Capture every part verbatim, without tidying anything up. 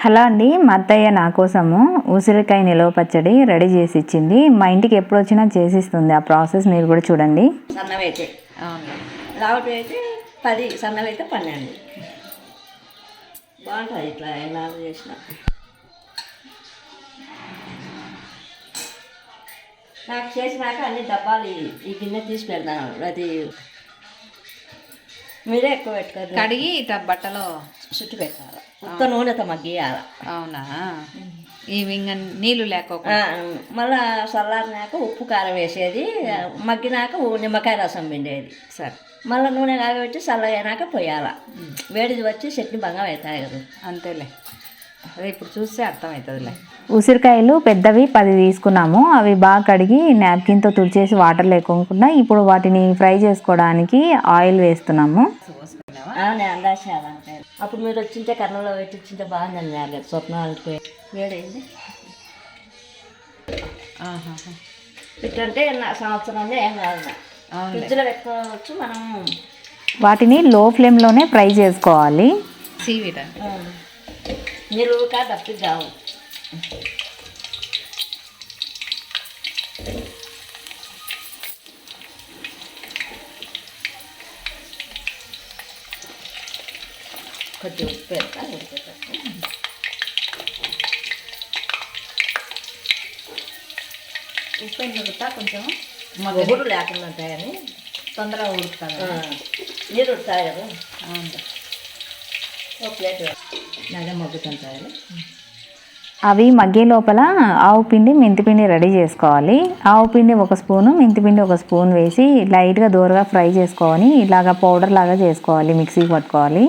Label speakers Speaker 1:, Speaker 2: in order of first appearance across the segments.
Speaker 1: Hello అండి, మా అత్తయ్య నా కోసము ఉసిరికాయ నిలవ పచ్చడి రెడీ చేసి ఇచ్చింది. మా ఇంటికి ఎప్పుడు వచ్చినా చేసిస్తుంది. ఆ ప్రాసెస్ మీరు కూడా చూడండి.
Speaker 2: సన్నవైతే లావటి అయితే పది, సన్నవైతే పన్నెండు. బాగుంటుంది ఇట్లా ఎలా చేసిన. నాకు చేసినాక అన్ని డబ్బాలు ఈ గిన్నె తీసి పెడతాను. అది మీరే ఎక్కువ పెట్టుకోరు.
Speaker 3: కడిగి ఇట్లా బట్టలో
Speaker 2: చుట్టు పెట్టాలి. ఉత్త నూనెతో మగ్గియాల.
Speaker 3: అవునా? ఇవి ఇంకా నీళ్ళు లేకపోతే
Speaker 2: మళ్ళా చల్లారినాక ఉప్పు కారం వేసేది, మగ్గినాక నిమ్మకాయ రసం పిండేది.
Speaker 3: సరే,
Speaker 2: మళ్ళీ నూనె కాగబెట్టి చల్లగైనాక పోయాల. వేడిది వచ్చి చట్నీ బంగా అవుతాయి కదా.
Speaker 3: అంతేలే, అదే ఇప్పుడు చూస్తే అర్థమవుతుందిలే.
Speaker 1: ఉసిరికాయలు పెద్దవి పది తీసుకున్నాము. అవి బాగా కడిగి నాప్కిన్తో తుడిచేసి వాటర్ లేకోకుండా ఇప్పుడు వాటిని ఫ్రై చేసుకోవడానికి ఆయిల్ వేస్తున్నాము.
Speaker 2: నేను అందాచాలంటే అప్పుడు మీరు వచ్చింటే కర్నూలులో పెట్టించింటే బాగుందని లేదు స్వప్నాలకి వేడైంది. ఇట్లంటే సంవత్సరం ఏం కాదు, ఫ్రిడ్జ్లో పెట్టుకోవచ్చు మనం.
Speaker 1: వాటిని లో ఫ్లేమ్లోనే ఫ్రై చేసుకోవాలి.
Speaker 3: సీవిడ
Speaker 2: మీరు కా డబ్బు కావు. కొంచెం ఉప్పు పెడతా, ఉప్పు
Speaker 3: ఉప్పు ఎందుకుతా కొంచెం
Speaker 2: మొగుడు లేకుండా ఉంటాయని
Speaker 3: తొందరగా ఉడుకుతాను.
Speaker 2: నీరు ఉడతాయి కదా.
Speaker 3: అవును,
Speaker 2: ఒక ప్లేట్ నగ మగ్గుతుంటాయి.
Speaker 1: అవి మగ్గే లోపల ఆవు పిండి మెంతిపిండి రెడీ చేసుకోవాలి. ఆవు పిండి ఒక స్పూను, మెంతిపిండి ఒక స్పూన్ వేసి లైట్గా దూరగా ఫ్రై చేసుకొని ఇలాగ పౌడర్ లాగా చేసుకోవాలి, మిక్సీకి పట్టుకోవాలి.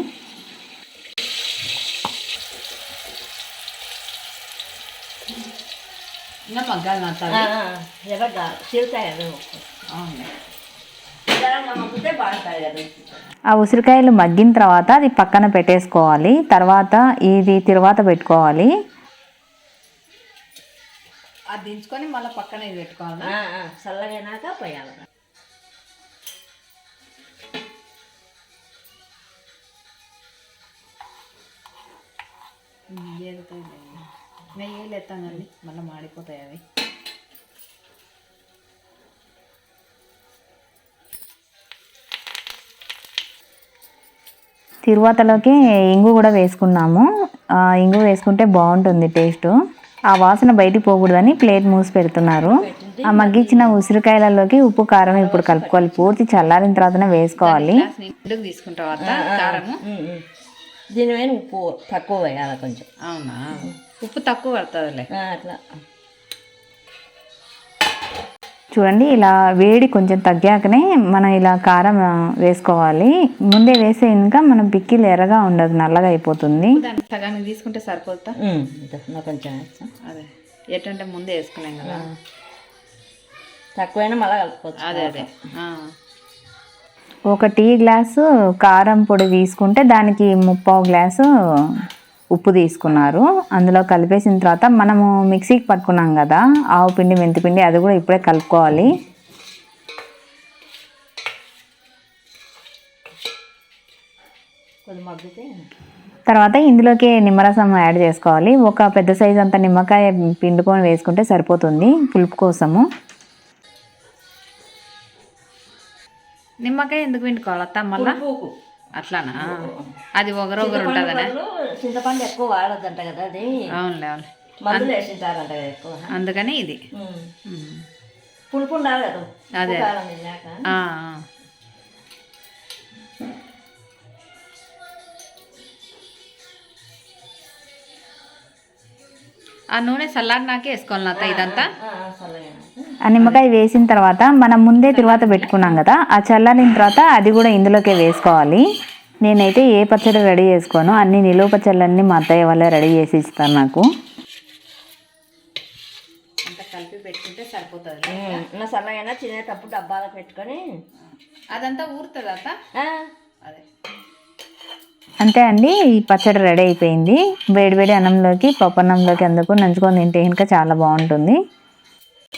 Speaker 3: ఇంకా మగ్గాలి మాత్రం
Speaker 2: ఎవరు చీలుతాయి కదా.
Speaker 3: అవును,
Speaker 2: మగ్గితే బాగుంటాయి కదా.
Speaker 1: ఆ ఉసిరికాయలు మగ్గిన తర్వాత అది పక్కన పెట్టేసుకోవాలి. తర్వాత ఇది తిరువాత పెట్టుకోవాలి.
Speaker 3: అది దించుకొని మళ్ళీ పక్కన ఇది పెట్టుకోవాలి.
Speaker 2: చల్లగైనాక పోయాలి.
Speaker 3: నెయ్యి ఎత్తాం కానీ మళ్ళీ మాడిపోతాయి అవి.
Speaker 1: తిరువాతలోకి ఇంగు కూడా వేసుకున్నాము. ఇంగు వేసుకుంటే బాగుంటుంది టేస్ట్. ఆ వాసన బయటికి పోకూడదని ప్లేట్ మూసి పెడుతున్నారు. ఆ మగ్గించిన ఉసిరికాయలలోకి ఉప్పు కారం ఇప్పుడు కలుపుకోవాలి. పూర్తి చల్లారిన తర్వాతనే వేసుకోవాలి.
Speaker 3: తీసుకున్న తర్వాత కారము
Speaker 2: దీని మీద ఉప్పు తక్కువ వేయాలి కొంచెం.
Speaker 3: అవునా? ఉప్పు తక్కువ పడుతుందిలే.
Speaker 2: అట్లా
Speaker 1: చూడండి, ఇలా వేడి కొంచెం తగ్గాకనే మనం ఇలా కారం వేసుకోవాలి. ముందే వేసే ఇంకా మనం పిక్కిలు ఎర్రగా ఉండదు, నల్లగా అయిపోతుంది.
Speaker 3: సగానికి తీసుకుంటే సరిపోతా.
Speaker 2: కొంచెం
Speaker 3: అదే ఎట్టంటే ముందే వేసుకున్నాం కదా,
Speaker 2: తక్కువైనా మళ్ళీ కలుపుకోవచ్చు.
Speaker 3: అదే అదే
Speaker 1: ఒక టీ గ్లాసు కారం పొడి తీసుకుంటే దానికి ముప్పావు గ్లాసు ఉప్పు తీసుకున్నారు. అందులో కలిపేసిన తర్వాత మనము మిక్సీకి పట్టుకున్నాం కదా ఆవు పిండి మెంతిపిండి, అది కూడా ఇప్పుడే కలుపుకోవాలి. తర్వాత ఇందులోకి నిమ్మరసం యాడ్ చేసుకోవాలి. ఒక పెద్ద సైజు అంత నిమ్మకాయ పిండుకొని వేసుకుంటే సరిపోతుంది పులుపు కోసము.
Speaker 3: నిమ్మకాయ ఎందుకు పిండుకోవాలి అత్త? మళ్ళా అట్లానా? అది ఒకరొకరు ఉంటుందనే.
Speaker 2: చింతపండు ఎక్కువ వాడద్దంట కదా అది.
Speaker 3: అవునులే అవును,
Speaker 2: మందులు వేసింటారంట కదా ఎక్కువ,
Speaker 3: అందుకని ఇది
Speaker 2: పులుపు ఉండాలి కదా.
Speaker 3: అదే ఆ నూనె చల్లారినాకే వేసుకోవాలి అత్త ఇదంతా.
Speaker 1: ఆ నిమ్మకాయ వేసిన తర్వాత మనం ముందే తిరువాత పెట్టుకున్నాం కదా, ఆ చల్లారిన తర్వాత అది కూడా ఇందులోకే వేసుకోవాలి. నేనైతే ఏ పచ్చడి రెడీ చేసుకోను, అన్ని నిలువ పచ్చళ్ళన్నీ మా అత్తయ్య వాళ్ళే రెడీ చేసి ఇస్తారు నాకు.
Speaker 3: అంతా కలిపి పెట్టుకుంటే సరిపోతుంది.
Speaker 2: చల్లగైనా తినేటప్పుడు డబ్బాలో పెట్టుకొని
Speaker 3: అదంతా ఊరుతుంది అత్త. అదే
Speaker 1: అంతే అండి, ఈ పచ్చడి రెడీ అయిపోయింది. వేడివేడి అన్నంలోకి పప్పన్నంలోకి అందుకు నంచుకొని తింటే ఇంకా చాలా బాగుంటుంది.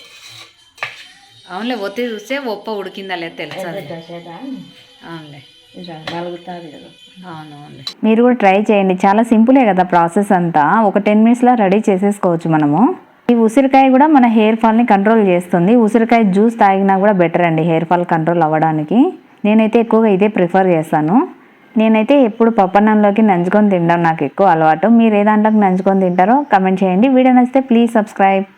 Speaker 3: అవునులే, ఒత్తి చూస్తే ఒప్ప ఉడికిందా లేదు తెలుసా? అవునులే,
Speaker 2: ఇలా నలుగుతుంది కదా.
Speaker 3: అవునవును.
Speaker 1: మీరు కూడా ట్రై చేయండి, చాలా సింపులే కదా ప్రాసెస్ అంతా. ఒక టెన్ మినిట్స్లో రెడీ చేసేసుకోవచ్చు మనము. ఈ ఉసిరికాయ కూడా మన హెయిర్ ఫాల్ని కంట్రోల్ చేస్తుంది. ఉసిరికాయ జ్యూస్ తాగినా కూడా బెటర్ అండి హెయిర్ ఫాల్ కంట్రోల్ అవ్వడానికి. నేనైతే ఎక్కువగా ఇదే ప్రిఫర్ చేస్తాను. నేనైతే ఎప్పుడు పప్పన్నంలోకి నంచుకొని తినడం నాకు ఎక్కువ అలవాటు. మీరు ఏ దాంట్లోకి నంచుకొని తింటారో కమెంట్ చేయండి. వీడియో నచ్చితే ప్లీజ్ సబ్స్క్రైబ్.